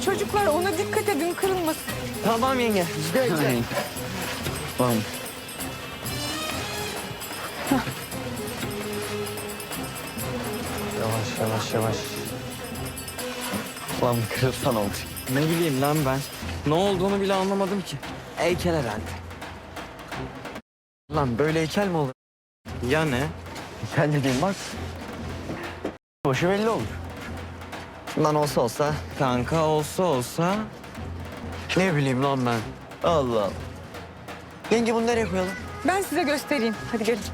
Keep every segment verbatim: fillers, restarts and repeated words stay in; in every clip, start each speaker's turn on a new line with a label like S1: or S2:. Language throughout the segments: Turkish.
S1: Çocuklar ona dikkat edin, kırılmasın.
S2: Tamam yenge. Bekle. Tamam. Yavaş yavaş yavaş. Lan bir kırılsan oldu. Ne bileyim lan ben. Ne olduğunu bile anlamadım ki. Heykel herhalde. Lan böyle heykel mi olur? Ya ne? Heykel dediğin bak. Başı belli olur. Lan olsa olsa. Kanka olsa olsa. Ne bileyim lan ben. Allah Allah. Yenge bunu nereye koyalım?
S1: Ben size göstereyim. Hadi gelin.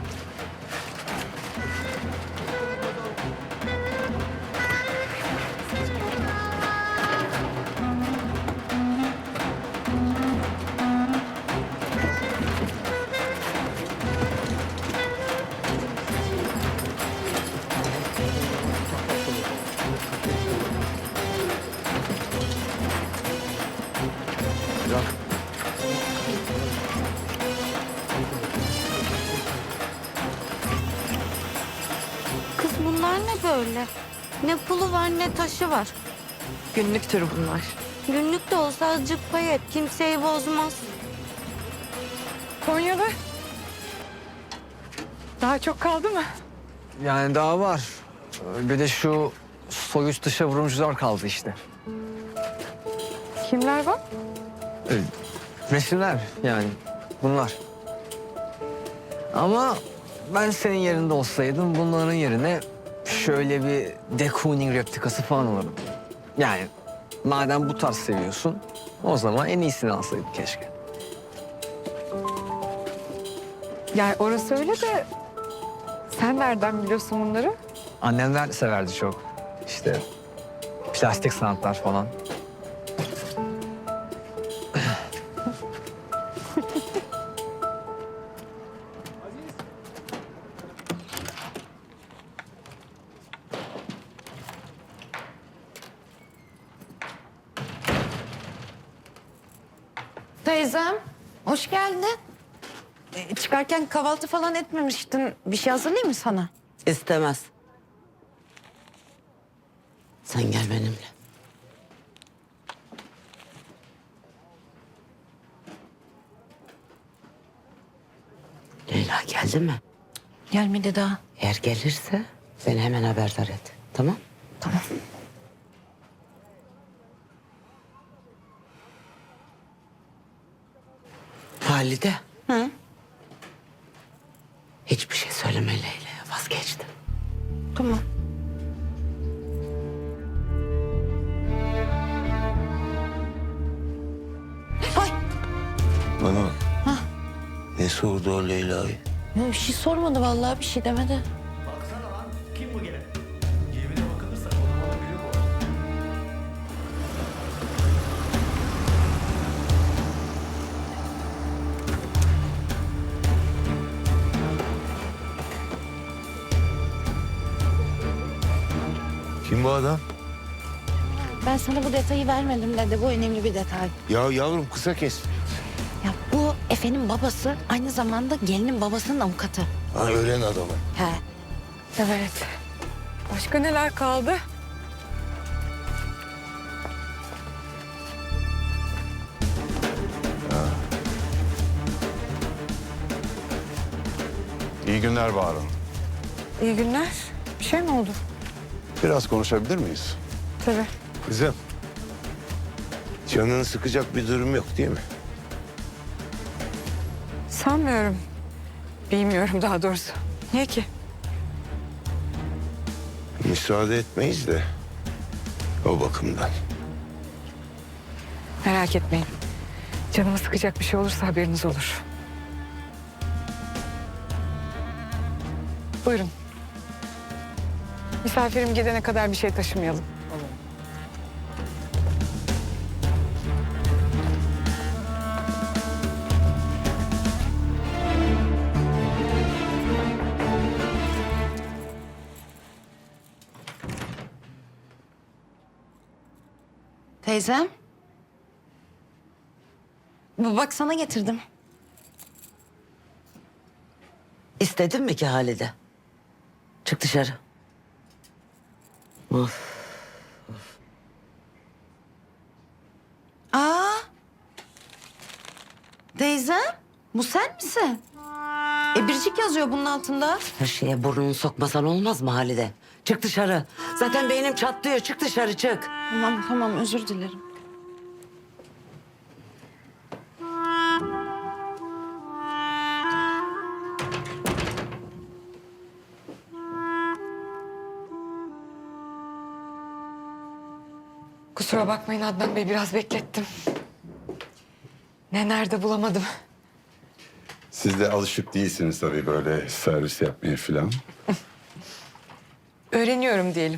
S3: Kız bunlar ne böyle? Ne pulu var ne taşı var.
S1: Günlüktür bunlar.
S3: Günlük de olsa azıcık pay et. Kimseyi bozmaz.
S1: Konyalı. Daha çok kaldı mı?
S2: Yani daha var. Bir de şu soyuz dışa vurumcular kaldı işte.
S1: Kimler var?
S2: Resimler yani bunlar. Ama ben senin yerinde olsaydım bunların yerine şöyle bir de Kooning replikası falan alırdım. Yani madem bu tarz seviyorsun o zaman en iyisini alsaydık keşke.
S1: Yani orası öyle de sen nereden biliyorsun bunları?
S2: Annemler severdi çok. İşte plastik sanatlar falan.
S4: Teyzem, hoş geldin. Ee, çıkarken kahvaltı falan etmemiştin. Bir şey hazırlayayım mı sana?
S5: İstemez. Sen gel benimle. Leyla geldi mi?
S4: Gelmedi daha.
S5: Eğer gelirse beni hemen haberdar et. Tamam?
S4: Tamam.
S5: Halide.
S4: Hı?
S5: Hiçbir şey söyleme Leyla'ya. Vazgeçtim.
S4: Tamam. Ay,
S6: Bana bak. Ne sordu o Leyla'yı?
S4: ya bir şey sormadı vallahi, bir şey demedi.
S6: Kim bu adam?
S4: Ben sana bu detayı vermedim dedi. Bu önemli bir detay.
S6: Ya yavrum kısa kes.
S4: Ya bu Efe'nin babası aynı zamanda gelinin babasının avukatı.
S6: Ha öğren adamı.
S4: He.
S1: Evet. Başka neler kaldı?
S7: İyi günler Bahar Hanım.
S1: İyi günler. Bir şey mi oldu?
S7: Biraz konuşabilir miyiz?
S1: Tabii.
S6: Kızım. Canını sıkacak bir durum yok değil mi?
S1: Sanmıyorum. Bilmiyorum daha doğrusu. Niye ki?
S6: Müsaade etmeyiz de o bakımdan.
S1: Merak etmeyin. Canımı sıkacak bir şey olursa haberiniz olur. Buyurun. Misafirim gidene kadar bir şey taşımayalım.
S4: Teyzem. Bu bak sana getirdim.
S5: İstedin mi ki Halide? Çık dışarı. Of.
S4: Gizem, bu sen misin? E Biricik yazıyor bunun altında.
S5: Her şeye burnunu sokmasan olmaz mı Halide? Çık dışarı. Zaten beynim çatlıyor. Çık dışarı çık.
S4: Tamam tamam özür dilerim.
S1: Kusura bakmayın Adnan Bey, biraz beklettim. Ne nerede bulamadım.
S7: Siz de alışık değilsiniz tabii böyle servis yapmaya falan.
S1: Öğreniyorum diyelim.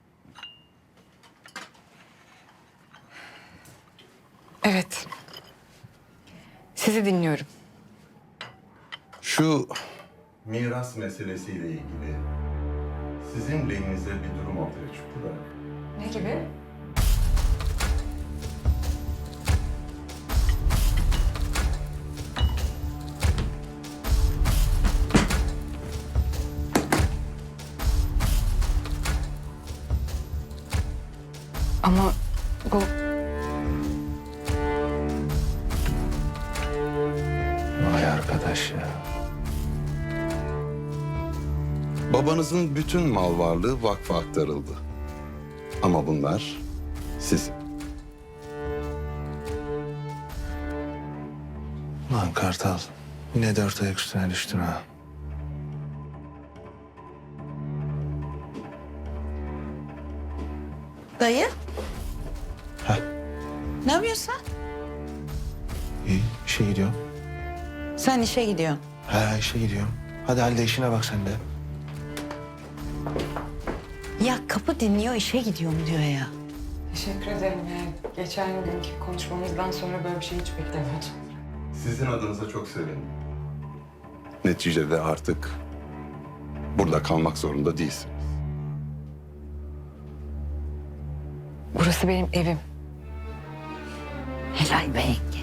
S1: Evet. Sizi dinliyorum.
S7: Şu miras meselesiyle ilgili sizin lehinize bir durum ortaya çıktı da.
S1: Ne gibi? Ama bu
S6: Vay arkadaş ya.
S7: Babanızın bütün mal varlığı vakfa aktarıldı. Ama bunlar sizin.
S6: Lan Kartal. Yine dört ayak üstüne düştün ha.
S4: Dayı.
S6: Heh.
S4: Ne yapıyorsun sen?
S6: İyi, işe gidiyorum.
S4: Sen işe gidiyorsun.
S6: Ha, işe gidiyorum. Hadi Halide işine bak sen de.
S4: Ya kapı dinliyor işe gidiyorum diyor ya.
S1: teşekkür ederim. Yani geçen günkü konuşmamızdan sonra böyle bir şey hiç beklemiyordum.
S7: Sizin adınıza çok sevindim. Neticede artık burada kalmak zorunda değilsiniz.
S1: Burası benim evim.
S4: Helal be yenge.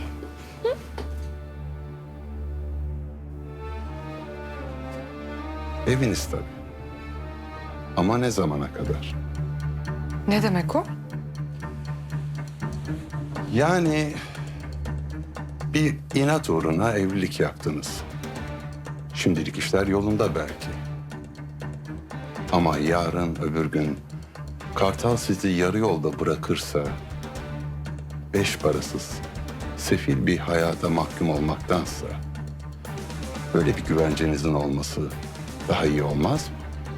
S7: Eviniz tabii. Ama ne zamana kadar?
S1: Ne demek o?
S7: Yani bir inat uğruna evlilik yaptınız. Şimdilik işler yolunda belki. Ama yarın öbür gün Kartal sizi yarı yolda bırakırsa beş parasız, sefil bir hayata mahkum olmaktansa böyle bir güvencenizin olması daha iyi olmaz mı?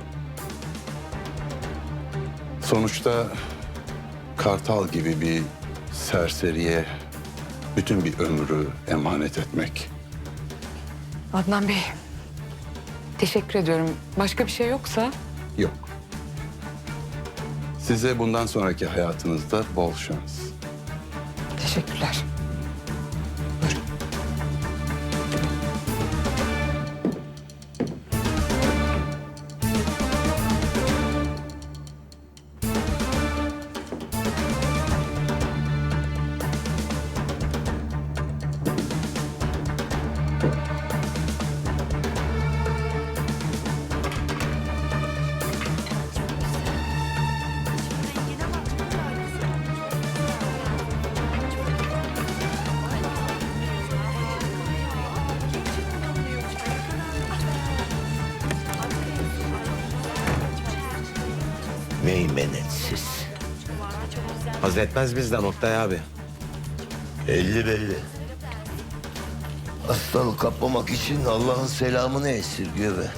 S7: Sonuçta Kartal gibi bir serseriye bütün bir ömrü emanet etmek.
S1: Adnan Bey, teşekkür ediyorum. Başka bir şey yoksa
S7: Yok. Size bundan sonraki hayatınızda bol şans.
S1: teşekkürler.
S6: Meymenetsiz.
S2: Haz etmez bizden Oktay abi.
S6: Belli belli. Hastalık kapmamak için Allah'ın selamını esirgiyor be.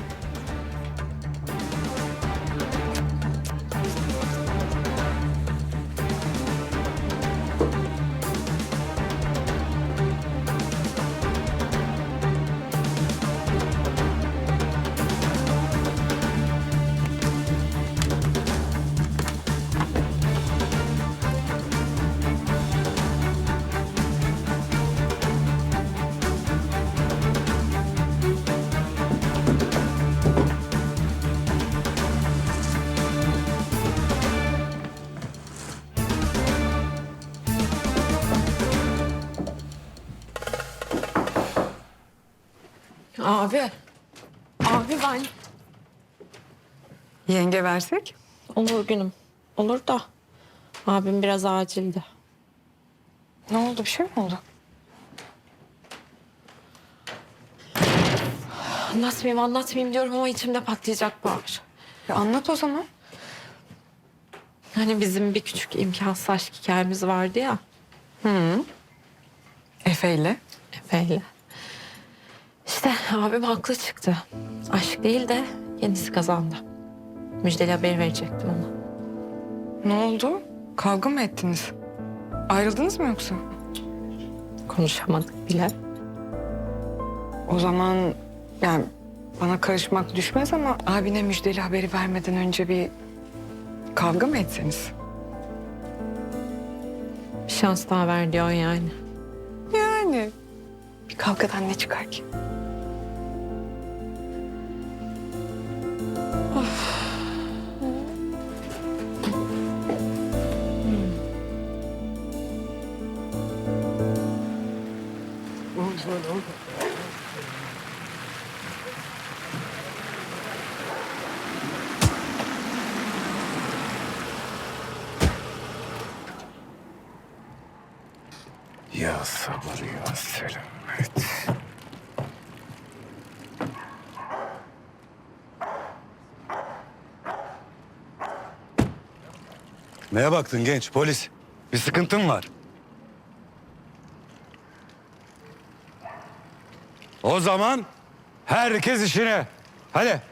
S1: Abi. Abi ben. Yenge versek?
S3: Olur günüm. Olur da abim biraz acildi.
S1: Ne oldu? Bir şey mi oldu?
S8: Anlatmayayım anlatmayayım diyorum ama içimde patlayacak Bahar.
S1: Ya anlat o zaman.
S8: Hani bizim bir küçük imkansız aşk hikayemiz vardı ya.
S1: Efe'yle.
S8: Efe'yle. İşte abim haklı çıktı. Aşk değil de kendisi kazandı. Müjdeli haber verecektim ona.
S1: Ne oldu? Kavga mı ettiniz? Ayrıldınız mı yoksa?
S8: Konuşamadık bile.
S1: O zaman yani bana karışmak düşmez ama abine müjdeli haberi vermeden önce bir kavga mı etseniz?
S8: Bir şans daha ver diyor yani.
S1: Yani bir kavgadan ne çıkar ki?
S6: Ya sabır ya selamet.
S9: Neye baktın genç polis? Bir sıkıntın var. O zaman herkes işine. Hadi.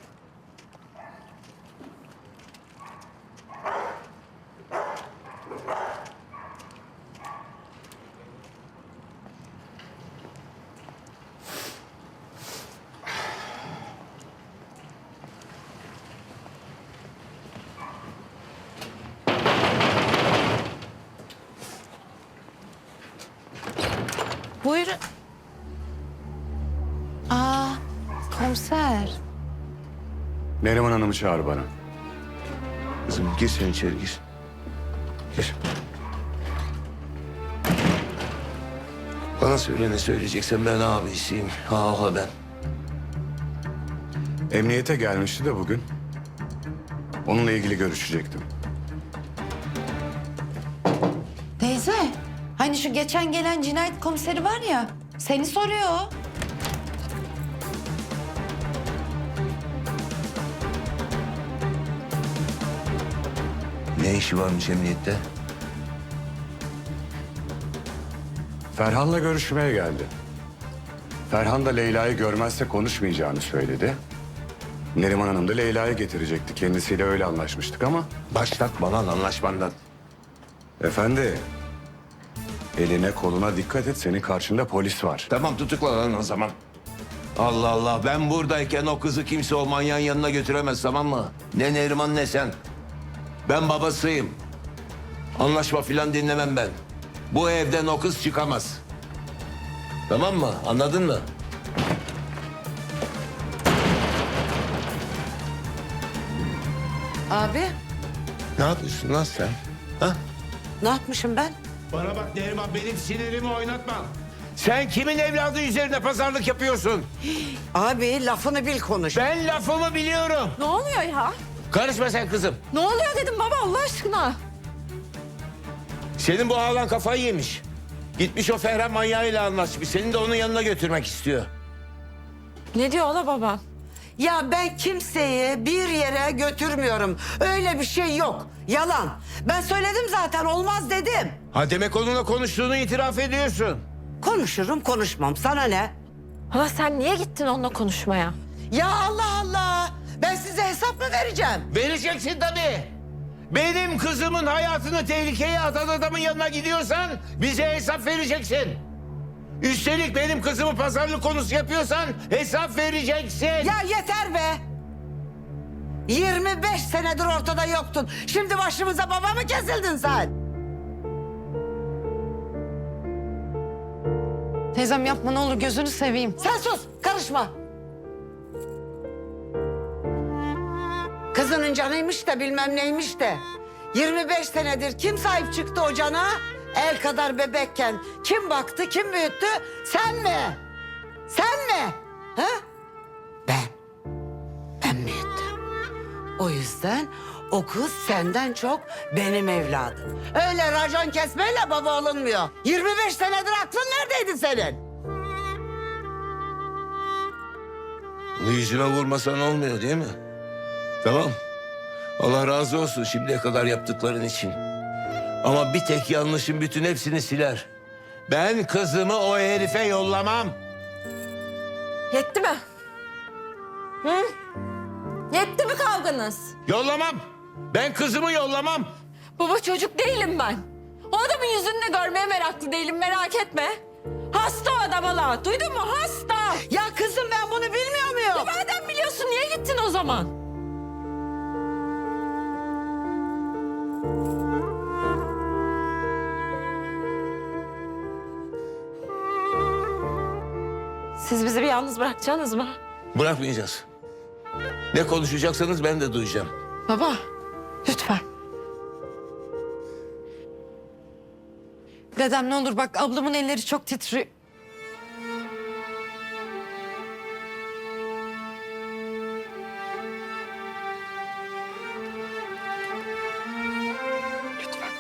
S4: Buyurun. Aa, komiser.
S9: Neriman Hanım'ı çağır bana.
S6: Kızım gir sen içeri gir. Gir. Bana söyle ne söyleyeceksen ben abisiyim. Ha ha ben.
S9: Emniyete gelmişti de bugün. Onunla ilgili görüşecektim.
S4: Teyze, hani şu geçen gelen cinayet komiseri var ya, seni soruyor.
S6: Ne işi varmış emniyette?
S9: Ferhan'la görüşmeye geldi. Ferhan da Leyla'yı görmezse konuşmayacağını söyledi. Neriman Hanım da Leyla'yı getirecekti. Kendisiyle öyle anlaşmıştık ama...
S6: Başlatma lan anlaşmandan.
S9: Efendi, eline koluna dikkat et. Senin karşında polis var.
S6: Tamam tutukla lan o zaman. Allah Allah ben buradayken o kızı kimse o manyağın yanına götüremez tamam mı? Ne Neriman ne sen. Ben babasıyım. Anlaşma filan dinlemem ben. Bu evden o kız çıkamaz. Tamam mı? Anladın mı?
S5: Abi
S6: Ne yapıyorsun lan sen? Ha?
S5: ne yapmışım ben?
S10: Bana bak Neriman benim sinirimi oynatma. Sen kimin evladı üzerine pazarlık yapıyorsun?
S5: Abi lafını bil konuş.
S10: Ben lafımı biliyorum.
S8: Ne oluyor ya?
S10: Karışma sen kızım.
S8: Ne oluyor dedim baba Allah aşkına.
S10: Senin bu ağlan kafayı yemiş. Gitmiş o Ferhan manyağıyla anlaşmış. Seni de onun yanına götürmek istiyor.
S8: Ne diyor ola baba?
S5: Ya ben kimseyi bir yere götürmüyorum. Öyle bir şey yok. Yalan. Ben söyledim zaten olmaz dedim.
S10: Ha demek onunla konuştuğunu itiraf ediyorsun.
S5: Konuşurum konuşmam sana ne?
S8: Hala sen niye gittin onunla konuşmaya?
S5: Ya Allah Allah. Ben size hesap mı vereceğim?
S10: Vereceksin tabii. Benim kızımın hayatını tehlikeye atan adamın yanına gidiyorsan bize hesap vereceksin. Üstelik benim kızımı pazarlık konusu yapıyorsan hesap vereceksin.
S5: Ya yeter be. yirmi beş senedir ortada yoktun. Şimdi başımıza baba mı kesildin sen?
S4: Teyzem yapma ne olur gözünü seveyim.
S5: Sen sus, karışma. Kızının canıymış da bilmem neymiş de. yirmi beş senedir kim sahip çıktı o cana? El kadar bebekken kim baktı, kim büyüttü? Sen mi? Sen mi? Ha? Ben. Ben büyüttüm. O yüzden o kız senden çok benim evladım. Öyle racon kesmeyle baba olunmuyor. yirmi beş senedir aklın neredeydi senin?
S6: Yüzüme vurmasan olmuyor değil mi? Tamam. Allah razı olsun şimdiye kadar yaptıkların için. Ama bir tek yanlışın bütün hepsini siler. Ben kızımı o herife yollamam.
S8: Yetti mi? Hı? Yetti mi kavganız?
S6: Yollamam. Ben kızımı yollamam.
S8: Baba çocuk değilim ben. O adamın yüzünü de görmeye meraklı değilim, merak etme. Hasta o adam hala. Duydun mu? Hasta.
S5: Ya kızım ben bunu bilmiyor muyum?
S8: Madem biliyorsun niye gittin o zaman? Siz bizi bir yalnız bırakacaksınız mı?
S6: Bırakmayacağız. Ne konuşacaksanız ben de duyacağım.
S8: Baba, lütfen.
S4: Dedem ne olur bak ablamın elleri çok titriyor.
S1: Lütfen.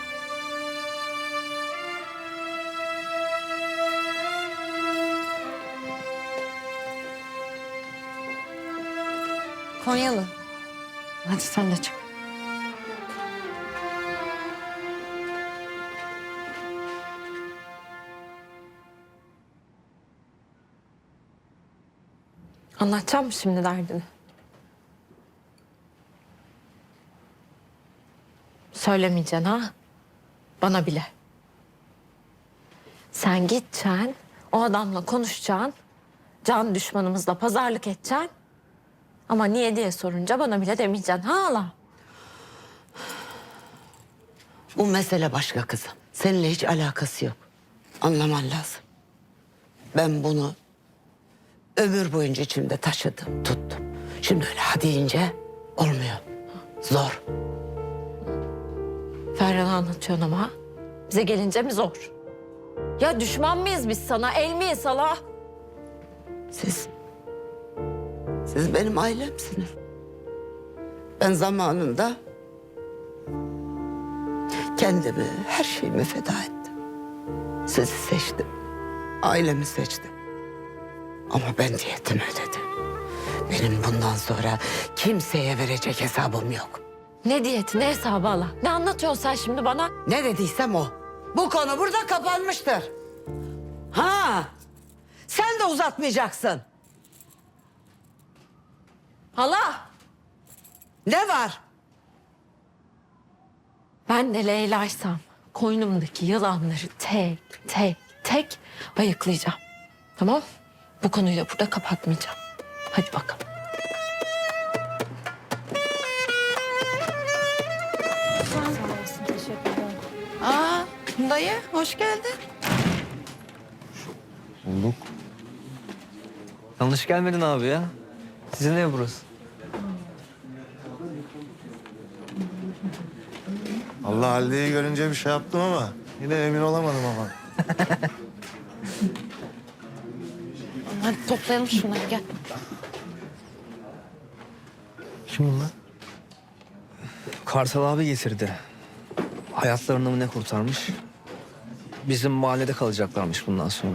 S4: Konyalı. Hadi sen de çık.
S8: Anlatacağım mı şimdi derdini? Söylemeyeceksin ha? Bana bile. Sen gideceksin, o adamla konuşacaksın. Can düşmanımızla pazarlık edeceksin. Ama niye diye sorunca bana bile demeyeceksin ha hala?
S5: Bu mesele başka kızım. Seninle hiç alakası yok. Anlaman lazım. Ben bunu ömür boyunca içimde taşıdım, tuttum. Şimdi öyle ha deyince olmuyor. Zor.
S8: Ferhan'a anlatıyorsun ama. Bize gelince mi zor? Ya düşman mıyız biz sana? El miyiz hala?
S5: Siz, siz benim ailemsiniz. Ben zamanında kendimi, her şeyimi feda ettim. Sizi seçtim, ailemi seçtim. Ama ben diyetimi ödedim. Benim bundan sonra kimseye verecek hesabım yok.
S8: Ne diyeti, ne hesabı hala? Ne anlatıyorsun sen şimdi bana?
S5: Ne dediysem o. Bu konu burada kapanmıştır. Ha, sen de uzatmayacaksın.
S8: Hala!
S5: Ne var?
S8: Ben de Leyla'ysam koynumdaki yılanları tek tek tek ayıklayacağım. Tamam? Bu konuyu da burada kapatmayacağım. Hadi bakalım.
S4: Aa dayı hoş geldin.
S2: Bulduk. Yanlış gelmedin abi ya. Sizin ev burası.
S11: Allah Halide'yi görünce bir şey yaptım ama yine emin olamadım ama.
S4: Hadi toplayalım şunları gel.
S11: Kim bunlar?
S2: Kartal abi getirdi. Hayatlarını mı ne kurtarmış? Bizim mahallede kalacaklarmış bundan sonra.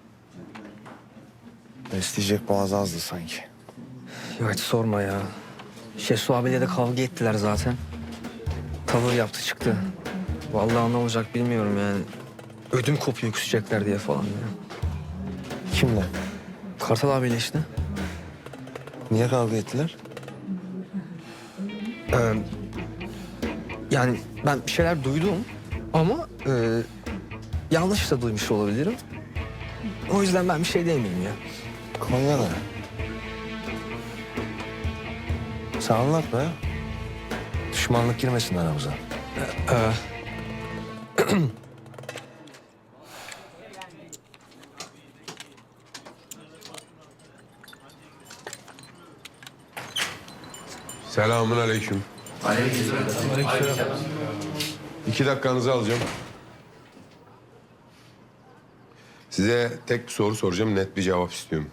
S11: Besleyecek boğaz azdı sanki.
S2: Ya hiç sorma ya. Şesu abiyle de kavga ettiler zaten. Tavır yaptı çıktı. Vallahi ne olacak bilmiyorum yani. Ödüm kopuyor küsecekler diye falan ya.
S11: Kimle?
S2: Kartal abiyle işte.
S11: Niye kavga ettiler?
S2: Ee, yani ben bir şeyler duydum ama e, yanlış da duymuş olabilirim. O yüzden ben bir şey demeyeyim ya.
S11: Konya'da. Sen anlat be. Düşmanlık girmesin aramıza.
S2: Ee,
S12: Selamun aleyküm. İki dakikanızı alacağım. Size tek bir soru soracağım, net bir cevap istiyorum.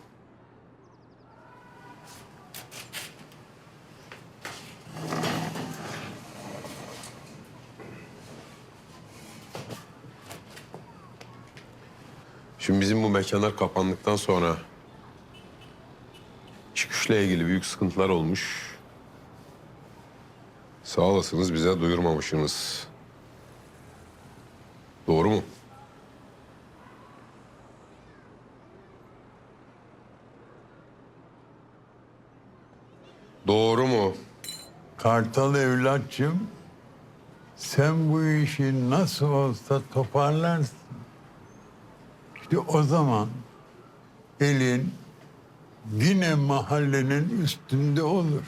S12: Şimdi bizim bu mekanlar kapandıktan sonra çıkışlar İşle ilgili büyük sıkıntılar olmuş. Sağ olasınız, bize duyurmamışsınız. Doğru mu? Doğru mu?
S13: Kartal evlatçım, sen bu işi nasıl olsa toparlarsın. İşte o zaman elin yine mahallenin üstünde olur.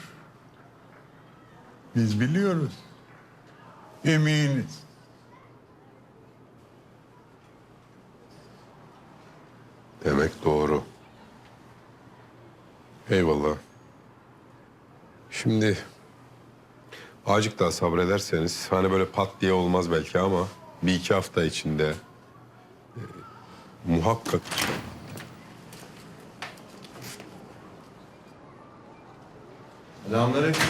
S13: Biz biliyoruz, eminiz.
S12: Demek doğru. Eyvallah. Şimdi azıcık daha sabrederseniz, hani böyle pat diye olmaz belki ama bir iki hafta içinde e, muhakkak
S11: Selamünaleyküm.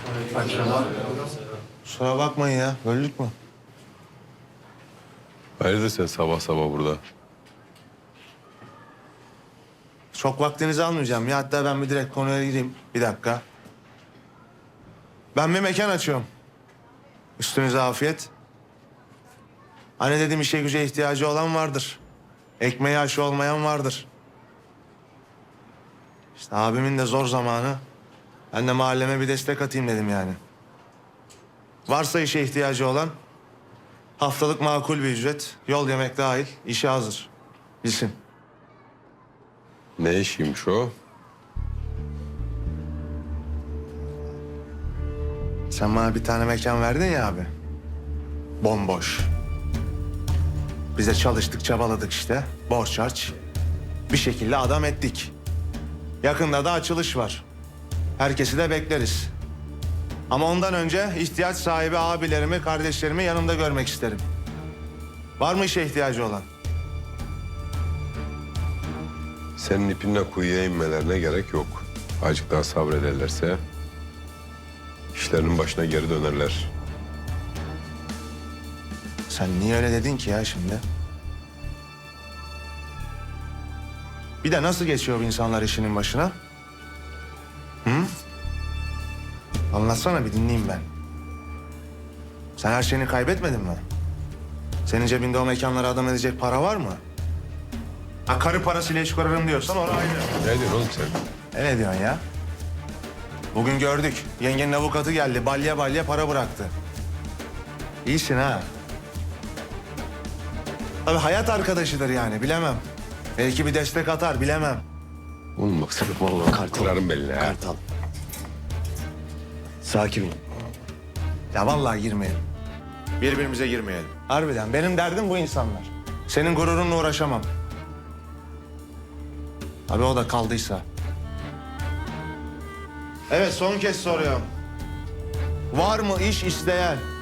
S11: Kusura bakmayın ya. Böldük mü?
S12: hayırdır sen sabah sabah burada?
S11: Çok vaktinizi almayacağım ya. Hatta ben bir direkt konuya gireyim. Bir dakika. Ben bir mekan açıyorum. Üstünüze afiyet. Hani dedim işe güce ihtiyacı olan vardır. Ekmeği aşı olmayan vardır. İşte abimin de zor zamanı. Ben de mahalleme bir destek atayım dedim yani. Varsa işe ihtiyacı olan haftalık makul bir ücret, yol yemek dahil işe hazır. Bilsin.
S12: Ne işiymiş o?
S11: Sen bana bir tane mekan verdin ya abi. Bomboş. Biz de çalıştık, çabaladık işte. Borç harç. Bir şekilde adam ettik. Yakında da açılış var. Herkesi de bekleriz. Ama ondan önce ihtiyaç sahibi abilerimi, kardeşlerimi yanımda görmek isterim. Var mı işe ihtiyacı olan?
S12: Senin ipinle kuyuya inmelerine gerek yok. Azıcık daha sabrederlerse işlerinin başına geri dönerler.
S11: Sen niye öyle dedin ki ya şimdi? Bir de nasıl geçiyor bu insanlar işinin başına? Hı? Anlatsana bir dinleyeyim ben. Sen her şeyini kaybetmedin mi? Senin cebinde o mekanlara adam edecek para var mı? Ha karı parasıyla iş kurarım diyorsan orası ayrı.
S12: Ne diyorsun oğlum sen?
S11: E ne diyorsun ya? Bugün gördük. Yengenin avukatı geldi. Balya balya para bıraktı. İyisin ha. Tabii hayat arkadaşıdır yani bilemem. Belki bir destek atar bilemem.
S12: Oğlum bak sırf vallahi kırarım belini ha.
S11: Kartal. Sakin ol. Ya vallahi girmeyelim. Birbirimize girmeyelim. Harbiden benim derdim bu insanlar. Senin gururunla uğraşamam. Abi o da kaldıysa. Evet son kez soruyorum. Var mı iş isteyen?